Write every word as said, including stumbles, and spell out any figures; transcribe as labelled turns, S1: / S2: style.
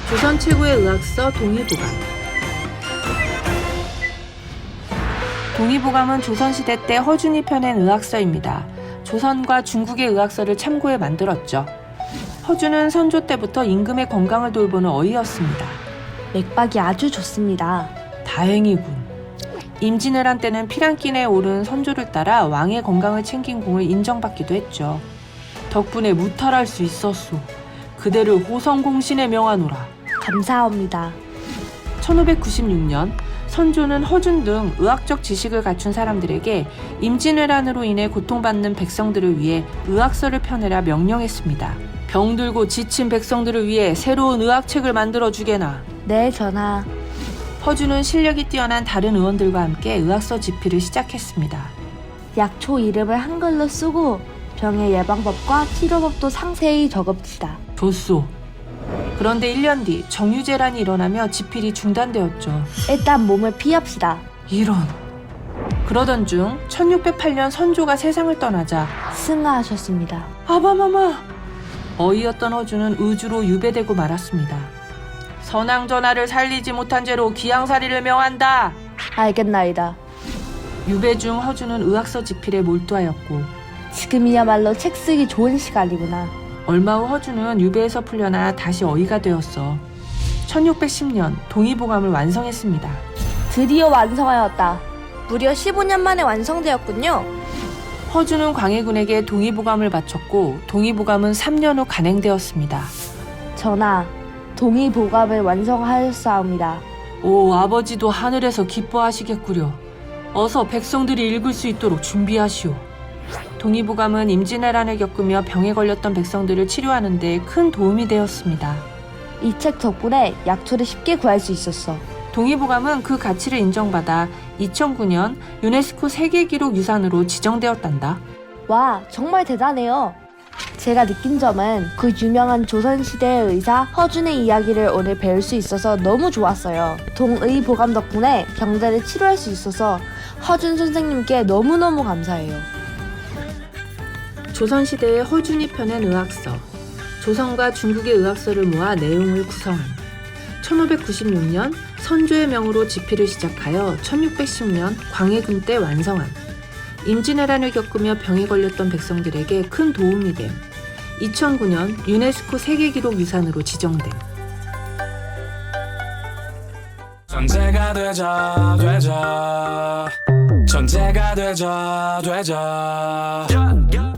S1: 조선 최고의 의학서 동의보감. 동의보감은 조선시대 때 허준이 펴낸 의학서입니다. 조선과 중국의 의학서를 참고해 만들었죠. 허준은 선조 때부터 임금의 건강을 돌보는 어이였습니다.
S2: 맥박이 아주 좋습니다.
S1: 다행이군. 임진왜란 때는 피란길에 오른 선조를 따라 왕의 건강을 챙긴 공을 인정받기도 했죠. 덕분에 무탈할 수 있었소. 그대를 호성공신에 명하노라.
S2: 감사합니다.
S1: 천오백구십육 년 선조는 허준 등 의학적 지식을 갖춘 사람들에게 임진왜란으로 인해 고통받는 백성들을 위해 의학서를 펴내라 명령했습니다. 병들고 지친 백성들을 위해 새로운 의학책을 만들어주게나.
S2: 네, 전하.
S1: 허준은 실력이 뛰어난 다른 의원들과 함께 의학서 집필을 시작했습니다.
S2: 약초 이름을 한글로 쓰고 병의 예방법과 치료법도 상세히 적읍시다.
S1: 좋소. 그런데 일 년 뒤 정유재란이 일어나며 집필이 중단되었죠.
S2: 일단 몸을 피합시다.
S1: 이런. 그러던 중 천육백팔 년 선조가 세상을 떠나자
S2: 승하하셨습니다.
S1: 아바마마! 어이였던 허준은 의주로 유배되고 말았습니다. 선왕전하를 살리지 못한 죄로 기양살이를 명한다.
S2: 알겠나이다.
S1: 유배 중 허준은 의학서 집필에 몰두하였고
S2: 지금이야말로 책 쓰기 좋은 시간이구나.
S1: 얼마 후 허준은 유배에서 풀려나 다시 어이가 되었어. 천육백십 년 동의보감을 완성했습니다.
S2: 드디어 완성하였다. 무려 십오 년 만에 완성되었군요.
S1: 허준은 광해군에게 동의보감을 바쳤고 동의보감은 삼 년 후 간행되었습니다.
S2: 전하, 동의보감을 완성하였사옵니다.
S1: 오, 아버지도 하늘에서 기뻐하시겠구려. 어서 백성들이 읽을 수 있도록 준비하시오. 동의보감은 임진왜란을 겪으며 병에 걸렸던 백성들을 치료하는 데 큰 도움이 되었습니다.
S2: 이 책 덕분에 약초를 쉽게 구할 수 있었어.
S1: 동의보감은 그 가치를 인정받아 이천구 년 유네스코 세계기록 유산으로 지정되었단다.
S2: 와, 정말 대단해요. 제가 느낀 점은 그 유명한 조선시대의 의사 허준의 이야기를 오늘 배울 수 있어서 너무 좋았어요. 동의보감 덕분에 병자를 치료할 수 있어서 허준 선생님께 너무너무 감사해요.
S1: 조선시대의 허준이 펴낸 의학서, 조선과 중국의 의학서를 모아 내용을 구성한 천오백구십육 년 선조의 명으로 집필을 시작하여 천육백십 년 광해군 때 완성한 임진왜란을 겪으며 병에 걸렸던 백성들에게 큰 도움이 됨 이천구 년 유네스코 세계기록 유산으로 지정됨.
S3: 천재가 되자 되자 천재가 되자 되자